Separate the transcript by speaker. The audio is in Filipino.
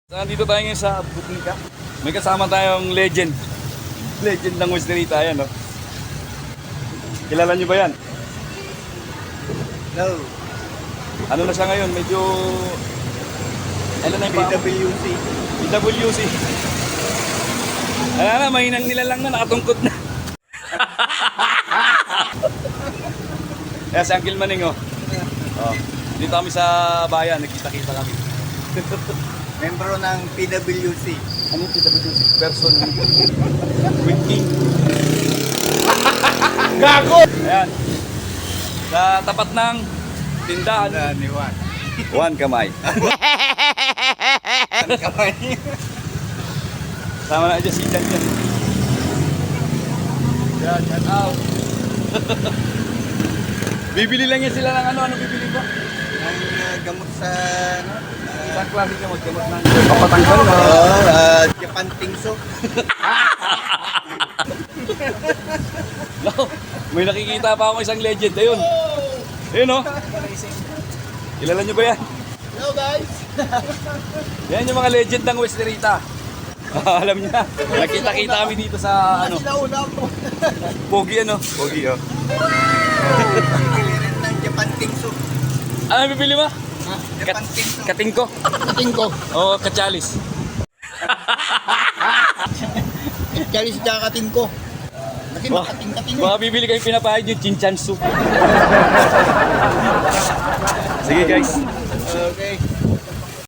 Speaker 1: Nandito tayo ngayon sa Butika. May kasama tayong legend. Legend ng Westerita, ayan, no? Kilala nyo ba yan?
Speaker 2: No.
Speaker 1: Ano na siya ngayon? Medyo... Ano na yung pa?
Speaker 2: PWC.
Speaker 1: PWC. Ayan na, mahinang nilalang na, nakatungkot na. Kaya si Uncle Maning, oh. Oh. Dito kami sa bayan, nagkita-kita kami.
Speaker 2: Membro ng PWC.
Speaker 1: Ano yung PWC? Person with king. Gago! Ayan. Sa tapat ng tindahan.
Speaker 2: Ni Juan.
Speaker 1: Juan Kamay.
Speaker 2: Ang kamay.
Speaker 1: Sama na dyan si Jan dyan. Yan, yan out. Bibili lang yan sila ng ano bibili ko?
Speaker 2: Ang gamot sa...
Speaker 1: Isang klase gamot ng papatanggal na.
Speaker 2: Japan Tingso.
Speaker 1: No, may nakikita pa ako isang legend. Ayun. Ayun, oh. Kilala nyo ba yan?
Speaker 2: Hello guys.
Speaker 1: Yan yung mga legend ng Westerita. Alam niya. Nakita-kita kami dito sa ano.
Speaker 2: Sinauna mo.
Speaker 1: Pogi ano? Pogi, oh.
Speaker 2: Bibili rin ng Japan Tingso.
Speaker 1: Ano bibili mo?
Speaker 2: Japan Tingso.
Speaker 1: Katingko?
Speaker 2: Katingko.
Speaker 1: O katsalis?
Speaker 2: Chalis siya katingko. Kasi makating-kating.
Speaker 1: Baka bibili kayo pinapahid yung chinchan soup. Sige guys.